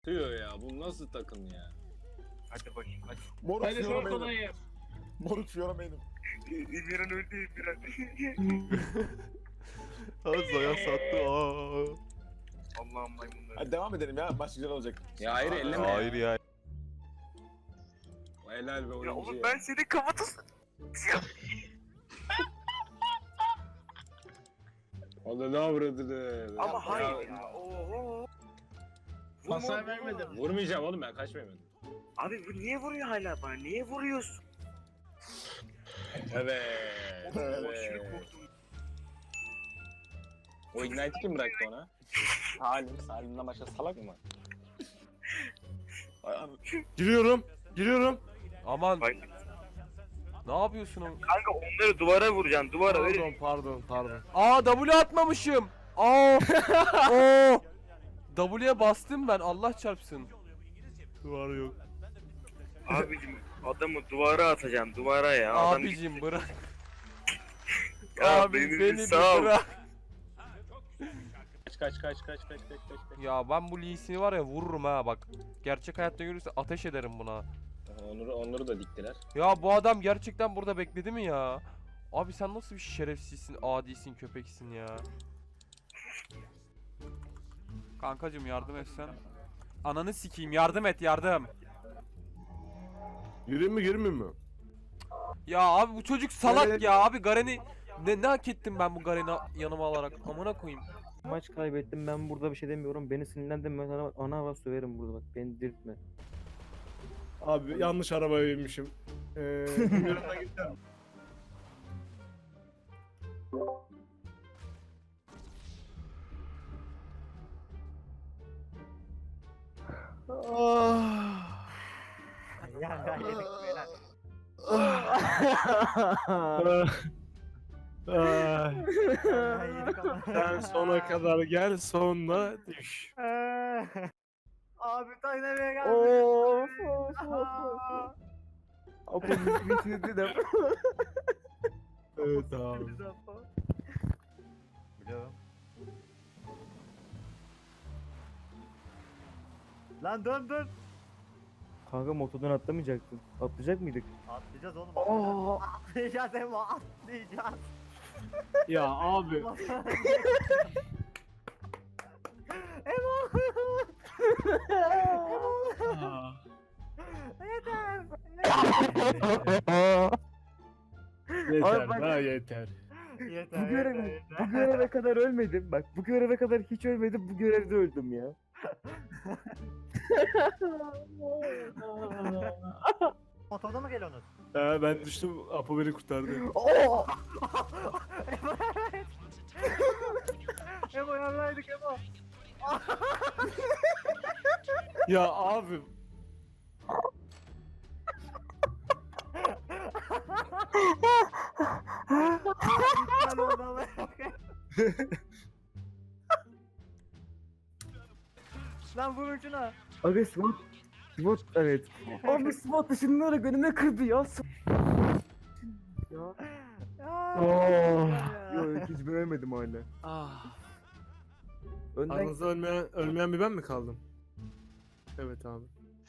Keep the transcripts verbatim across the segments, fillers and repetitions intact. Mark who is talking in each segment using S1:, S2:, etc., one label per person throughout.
S1: Tüyo ya, bu nasıl takım ya?
S2: Hadi bakayım hadi.
S3: Moruk
S4: Hadi
S3: fiyorum
S4: çok
S3: benim.
S4: kolayım.
S3: Moruk fiyorum benim.
S2: İmiran öldü İmiran.
S5: Zaya sattı. Aa.
S2: Allah'ım maymunları.
S3: Hadi devam edelim ya, maç güzel olacak.
S1: Ya hayır, elleme
S5: Hayır ya.
S1: Helal be oyuncu
S2: Ya
S1: ya.
S2: oğlum ben senin kafatasın.
S1: Onu ne avradını?
S2: Ama hayır ya. Oho. Vurma,
S4: Hasar
S2: vurma.
S4: vermedim.
S1: Vurmayacağım oğlum, ben kaçmayayım.
S2: Abi bu niye vuruyor hala bana? Niye vuruyorsun?
S1: Evet.
S2: Oğlum aşırı
S1: Evet.
S2: korktum.
S1: O Ignite'i kim bıraktı ona? Salim, Salim'den başka salak mı var?
S3: Ay, an-
S5: Giriyorum. Giriyorum. Aman.
S2: Vay.
S5: Ne yapıyorsun oğlum?
S2: Kanka onları duvara vuracaksın. Duvara
S5: Pardon
S2: öyle.
S5: pardon pardon. Aa W atmamışım. Aa. Oo. W'ye bastım ben, Allah çarpsın. Duvar yok.
S2: Abicim adamı duvara atacaksın. Duvara ya. Adam
S5: Abicim bırak.
S2: Ya
S5: Abi
S2: beni bir
S5: beni bir
S2: sal.
S5: bırak.
S1: Kaç kaç kaç kaç kaç kaç kaç kaç.
S5: Ya ben bu Lee Sin'i var ya vururum ha bak. Gerçek hayatta görürse ateş ederim buna.
S1: Onları, onları da diktiler.
S5: Ya bu adam gerçekten burada bekledi mi ya? Abi sen nasıl bir şerefsizsin, adisin, köpeksin ya. Kankacım yardım etsen. Ananı sikeyim, yardım et, yardım.
S6: Gireyim mi girmeyeyim mi?
S5: Ya abi bu çocuk salak
S6: Evet.
S5: ya abi, Garen'i ne, ne hak ettim ben bu Garen'i yanıma alarak, amına koyayım.
S7: Maç kaybettim, ben burada bir şey demiyorum. Beni sinirlendirme, sana ana hava söverim burada bak, beni dirtme.
S6: Abi yanlış arabaya binmişim. Ee, bilmiyorum da gittim. Ah.
S7: Ya ya yedik beyler.
S6: Ah.
S7: Ya yedik ama.
S6: Sen sona kadar gel, sonra düş.
S7: Abi taynamaya geldi.
S8: Of of of.
S7: Abi bitirdi de.
S6: Evet abi.
S7: Biliyorum. Lan dön dön. Kanka motordan atlamayacaktın. Atlayacak mıydık? Atlayacağız oğlum.
S8: Oo.
S7: Atlayacağız Emo, atlayacağız.
S6: Ya abi.
S7: Emo.
S6: Ah.
S7: Yeter.
S6: Yeter,
S8: bak-
S6: daha yeter.
S7: Yeter.
S8: Bu göreve, bu göreve kadar ölmedim. Bak bu göreve kadar hiç ölmedim. Bu görevde öldüm ya.
S7: Motorda mı geliyorsunuz?
S6: Ee, ben düştüm, Apo beni kurtardı.
S8: Oo.
S7: Emo yanlaydık Emo.
S6: Ya abi.
S7: İptal oldu ama. Lan vurun şuna.
S8: Aga SWAT. SWAT evet. Abi SWAT dışınları önüme kırdı ya. Ya.
S7: Oh.
S8: Yok hiç ben ölmedim hala.
S6: Ah.
S8: Önden
S6: Aranızda ölmeyen, ölmeyen bir ben mi kaldım? Evet abi.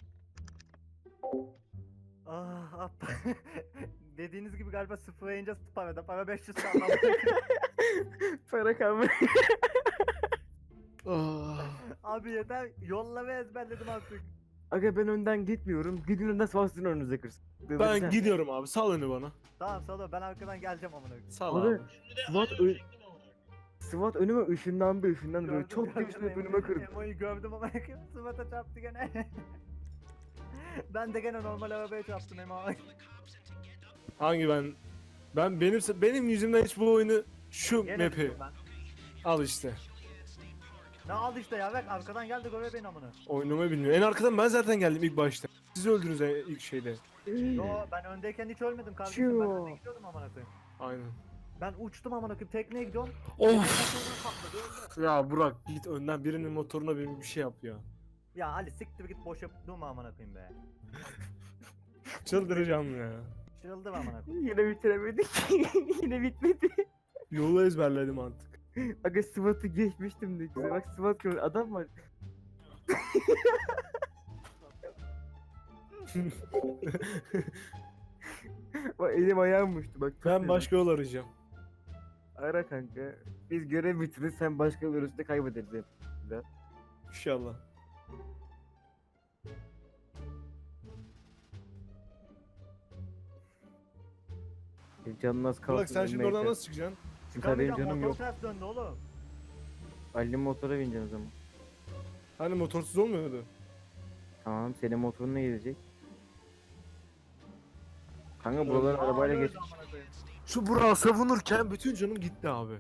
S7: Ah, ah. Dediğiniz gibi galiba sıfıra ince parada. Para beş yüz kaldı.
S8: para kalmadı.
S6: Ah.
S7: Abi yeter. Yolla ve ezberledim artık.
S8: Aga ben önden gitmiyorum. Gidin önden SWAT'ın önünüze kırsın.
S6: Ben gidiyorum abi, sal önü bana.
S7: Tamam Salo, ben arkadan geleceğim amına koyayım.
S6: Sal
S8: Abi,
S6: abi.
S8: SWAT, ö- SWAT önüme ışınlandı ışınlandı böyle
S7: Gördüm,
S8: çok
S7: gördüm,
S8: geçti önüme
S7: Emo'yu-
S8: kırdı.
S7: Emo'yu gördüm ama sıvata çarptı gene. Ben de gene normal arabaya çarptım Emo.
S6: Hangi ben? Ben benim benim yüzümden hiç bu oyunu şu
S7: Gene
S6: map'i
S7: düştüm ben.
S6: al işte.
S7: Ne al işte ya, bak arkadan geldi göre beni amına.
S6: Oynamayı bilmiyor. En arkadan ben zaten geldim ilk başta. Siz öldünüz en- ilk şeyde.
S7: Yo ben öndeyken hiç ölmedim kardeşim, ben
S8: Çiyo.
S7: önde gidiyordum amına koyayım.
S6: Aynen.
S7: Ben uçtum amına koyayım, tekneye gidiyorum.
S6: Of.
S7: Patladı, öldü.
S6: Ya Burak git önden birinin motoruna bir, bir şey yap ya.
S7: Ya Ali siktir git, boş yapıp durma amına koyayım be.
S6: Çıldıracağım ya.
S7: Çırıldım amına koyayım.
S8: Yine bitiremedik. Yine bitmedi.
S6: Yolu ezberledim artık.
S8: Aga SWAT'ı geçmiştim de güzel. Bak SWAT gör adam var. Bak elim ayağım uçtu bak. çok
S6: Ben
S8: fena.
S6: başka yol arayacağım.
S8: Ara kanka. Biz görev bitirir sen başka virüste kaybederiz hep.
S6: İnşallah.
S8: Benim canım az kalsın.
S6: Burak sen şimdi
S8: ölmeye
S6: oradan
S8: yeter.
S6: nasıl çıkacaksın?
S8: Çünkü benim
S7: Çıkamayacağım,
S8: canım
S7: motor
S8: yok.
S7: ters döndü oğlum.
S8: Ali'nin motora bineceğim o zaman.
S6: Hani motorsuz olmuyordu?
S8: Tamam senin motorun ne gidecek? Kanka buraları
S7: Aa,
S8: arabayla
S7: öldü
S8: geç.
S7: amına koyayım.
S6: Şu Burak'ı savunurken bütün canım gitti abi.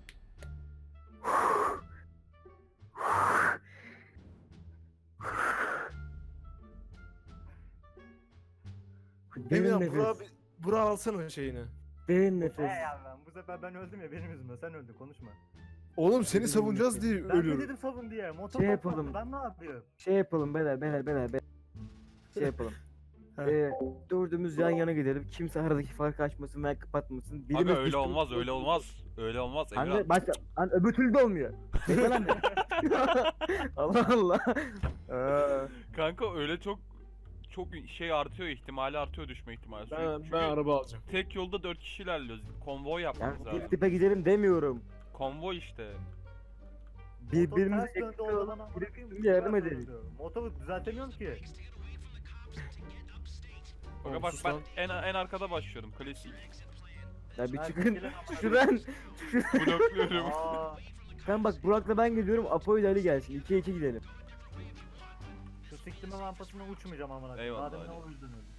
S8: Derin
S6: Emirhan
S8: nefes.
S6: Burak'ı Burak alsana şeyini.
S8: Derin
S7: He
S8: nefes.
S7: ya ben bu sefer ben öldüm ya benim yüzümden sen öldün konuşma.
S6: Oğlum seni savunacağız diye
S7: Ben de
S6: ölüyorum.
S7: dedim savun diye motor
S8: Şey
S7: patladı,
S8: yapalım.
S7: ben ne yapıyorum?
S8: Şey yapalım beyler beyler beyler beyler. Şey yapalım.
S6: Heh.
S8: ee, dördümüz yan yana gidelim. Kimse aradaki farkı açmasın veya kapatmasın. Birimiz
S4: Aga öyle
S8: düştü-
S4: olmaz öyle olmaz. Öyle olmaz
S8: Kanka
S4: Emirhan.
S8: başka lan öbür türlü de olmuyor. Bekle lan beni. Allah Allah. Aa,
S4: Kanka öyle çok çok şey artıyor ihtimali artıyor düşme ihtimali.
S6: Ben,
S4: Çünkü
S6: ben araba alacağım.
S4: tek yolda dört kişi ilerliyoruz. Konvoy
S8: ya
S4: yapmamız lazım.
S8: dip dipe gidelim demiyorum.
S4: Konvoy işte.
S8: Birbirimizi
S7: Motor ters döndü o zaman amına koyayım,
S8: birbirimize yardım
S7: ters
S8: edelim.
S7: döndü. Motoru düzeltemiyorum ki.
S4: Aga
S6: Oğlum
S4: bak
S6: sus
S4: ben
S6: lan.
S4: en en arkada başlıyorum klasik.
S8: Ya bir
S7: Ben
S8: çıkın
S7: sikeceğim amına
S8: şuradan.
S4: Blokluyorum.
S7: Aa,
S8: Ben bak Burak'la ben gidiyorum. Apo ile Ali gelsin. ikiye iki gidelim.
S7: şu siktime rampasına uçmayacağım amına koyayım.
S4: Eyvallah,
S7: Madem ne
S4: hadi.
S7: o yüzden öldüm.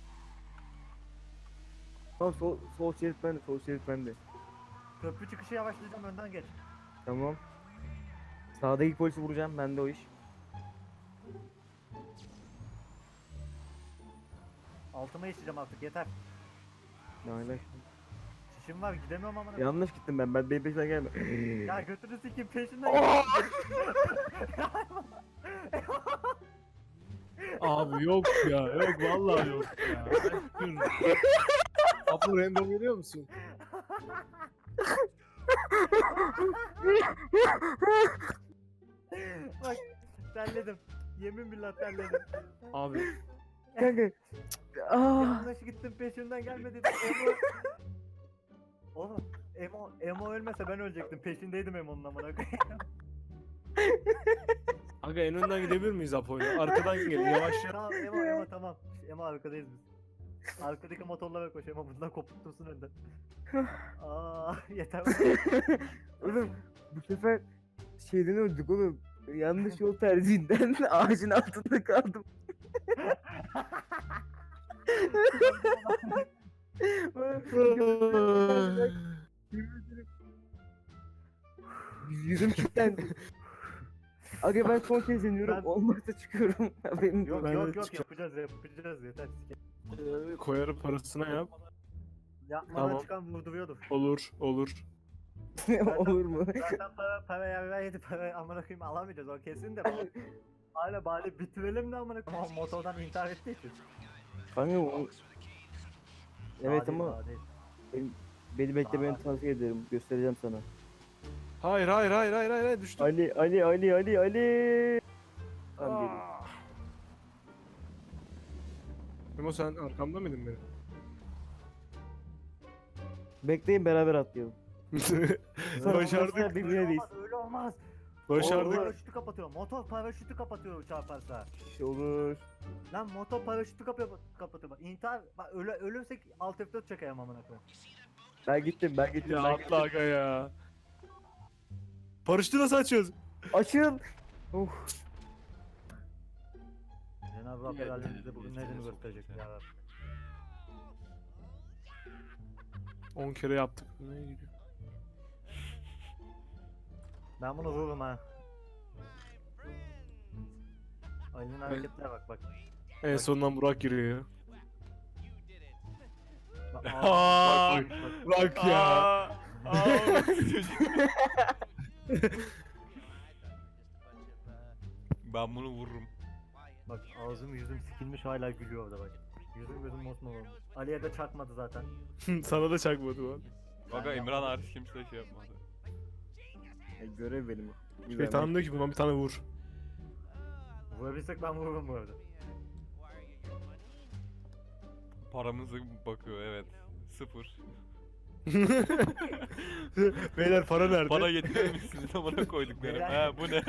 S8: Tamam sol, sol şerit bende. Sol şerit bende.
S7: Köprü çıkışı yavaşlayacağım önden geç.
S8: Tamam. Sağdaki polisi vuracağım. Bende o iş.
S7: Altıma işleyeceğim artık yeter.
S8: Ne alaka?
S7: Şişim var gidemiyorum amına koyayım.
S8: Yanlış gittim ben. Ben benim peşinden gelme.
S7: Ya götünü sikeyim peşinden gel.
S6: Abi yok ya yok vallahi yok ya. Apo random görüyor musun?
S7: Bak terledim. Yemin billah terledim.
S6: Abi
S8: Kanka. Aa.
S7: Yanlış gittim peşinden gelme dedim. Emo. Oğlum Emo, Emo ölmese ben ölecektim. Peşindeydim Emo'nun amına koyayım.
S6: aga en önden gidebilir miyiz Apo'yla? Arkadan gel yavaş yap.
S7: Tamam Emo Emo tamam. Emo arkadayız biz. Arkadaki motorlara koş Emo bundan kopuktursun önden. Aa yeter.
S8: Oğlum bu sefer şeyden öldük oğlum. Yanlış yol tercihinden ağacın altında kaldım. Yüzüm kilitlendi. Aga ben son kez iniyorum.
S7: Ben-
S8: Olmazsa çıkıyorum. Haberin
S7: Yok
S6: Ben
S7: yok
S6: de
S7: yok
S6: çıkacağım.
S7: yapacağız yapacağız yeter.
S6: Ee, Koyarım parasına yap.
S7: Yapmadan
S6: Tamam.
S7: çıkan vurduruyordur.
S6: Olur olur.
S8: Olur mu?
S7: Zaten para para ya yedi para amına koyayım alamayacağız o kesin de. Hala bari bitirelim de amına koyayım. Ama motordan intihar ettiği için.
S8: Kanka o... Evet
S7: Daha değil,
S8: ama
S7: daha değil.
S8: beni beklemeni
S7: Aa.
S8: tavsiye ederim. Göstereceğim sana.
S6: Hayır hayır hayır hayır hayır, hayır düştüm.
S8: Ali Ali Ali Ali Ali. Tamam geliyorum.
S6: Ah. Memo sen arkamda mıydın benim?
S8: Bekleyin beraber atlayalım.
S6: Başardık.
S8: Birbirine
S7: Öyle
S8: değil.
S7: olmaz öyle olmaz.
S6: Başardık.
S7: Paraşütü kapatıyor. Motor paraşütü kapatıyor çarparsa.
S8: Şey olur.
S7: Lan motor paraşütü kapıyor kapatıyor. Bak intihar bak öle, ölürsek alt F dört çekeyim amına koyayım.
S8: Ben gittim ben gittim.
S6: Ya
S8: ben
S6: atla aga ya. Paraşütü nasıl açıyoruz?
S8: Açıl. Of.
S7: Cenab-ı Hak herhalde bize bugün nedeni gösterecek ya.
S6: on kere yaptık. Neye gidiyor?
S7: Ben bunu vururum ha. Ali'nin hareketlerine bak bak.
S6: En sonundan Burak giriyor.
S7: Bak,
S4: Aa,
S7: bak, bak.
S6: Burak ya.
S4: Aa, aa, ben bunu vururum.
S7: Bak ağzım yüzüm sikilmiş hala gülüyor orada bak. Yüzüm gözüm mosmor olmuş. Ali'ye de çakmadı zaten.
S6: Sana da çakmadı lan.
S4: Aga Emirhan hariç kimse şey yapmadı.
S8: Ya, görev benim. o.
S6: Şey tamam diyor ki buna bir tane vur.
S7: Vurabilsek ben vururum bu arada.
S4: Paramızı bakıyor evet. Sıfır.
S6: Beyler para nerede?
S4: Para getirmemişsiniz amına koyduk benim.
S7: Beyler.
S4: Ha bu ne?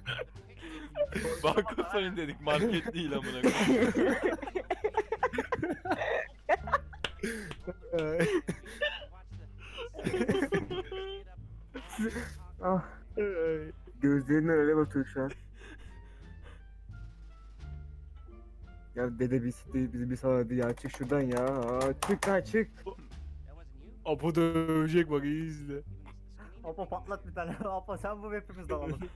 S4: Banka soyun dedik market değil amına koyduk.
S6: Ay,
S8: Ah
S6: ay.
S8: gözlerinden öyle bakıyor şu an. Ya dede bir siktir bizi bir saladı ya, çık şuradan ya. Aa, çık lan çık.
S6: Apo dövecek bak, iyi izle.
S7: Apo patlat bir tane. Apo sen vur hepimiz dalalım.